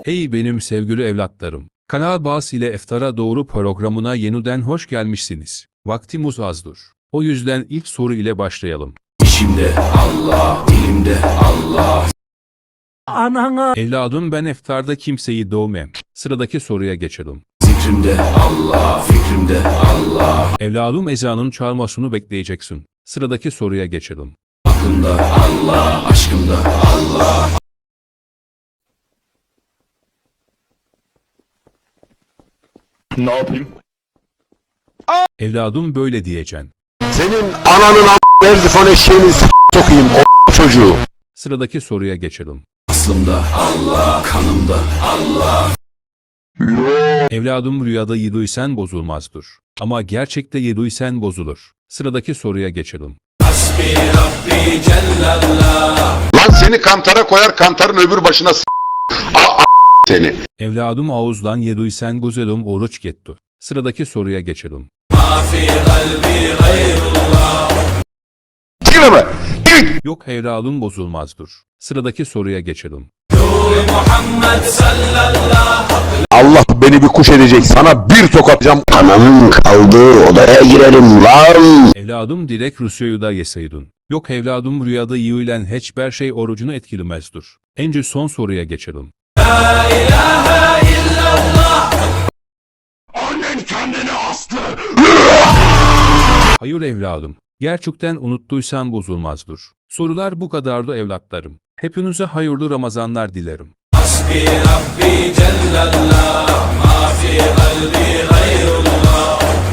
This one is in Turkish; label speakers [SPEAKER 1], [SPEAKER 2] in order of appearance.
[SPEAKER 1] Hey benim sevgili evlatlarım. Kanal Bağız ile İftara Doğru programına yeniden hoş gelmişsiniz. Vaktimiz azdır. O yüzden ilk soru ile başlayalım.
[SPEAKER 2] İçimde Allah, dilimde Allah.
[SPEAKER 3] Anana
[SPEAKER 1] Evladım ben iftarda kimseyi dövmem. Sıradaki soruya geçelim.
[SPEAKER 2] Zikrimde Allah, fikrimde Allah.
[SPEAKER 1] Evladım ezanın çalmasını bekleyeceksin. Sıradaki soruya geçelim.
[SPEAKER 2] Aklımda Allah, aşkımda Allah.
[SPEAKER 4] Ne yapayım?
[SPEAKER 1] Evladım böyle diyeceksin.
[SPEAKER 4] Senin ananın Erzifon eşeğini sokayım o çocuğu.
[SPEAKER 1] Sıradaki soruya geçelim.
[SPEAKER 2] Aslımda Allah, kanımda Allah.
[SPEAKER 1] Evladım rüyada yediysen bozulmazdır. Ama gerçekte yediysen bozulur. Sıradaki soruya geçelim.
[SPEAKER 2] Hasbi Rabbi Cellallah.
[SPEAKER 4] Lan seni kantara koyar, kantarın öbür başına seni.
[SPEAKER 1] Evladım ağızdan yediysen güzelim oruç gitti. Sıradaki soruya geçelim.
[SPEAKER 2] Mafi kalbi gayrullah.
[SPEAKER 4] Gireme.
[SPEAKER 1] Yok evladım bozulmazdır. Sıradaki soruya geçelim.
[SPEAKER 2] Nuri Muhammed sallallahu.
[SPEAKER 4] Allah beni bir kuş edecek, sana bir tokatacağım. Ananın kaldığı odaya girelim lan.
[SPEAKER 1] Evladım direkt Rusya'yı da yeseydin. Yok evladım rüyada yiyilen hiçbir şey orucunu etkilemezdir. Önce son soruya geçelim.
[SPEAKER 2] La ilahe illallah.
[SPEAKER 4] Annen kendini astı.
[SPEAKER 1] Hayır evladım. Gerçekten unuttuysan bozulmazdır. Sorular bu kadardı evlatlarım. Hepinize hayırlı Ramazanlar dilerim.
[SPEAKER 2] Hasbi Rabbi Cellallah. Mafi kalbi gayrullah.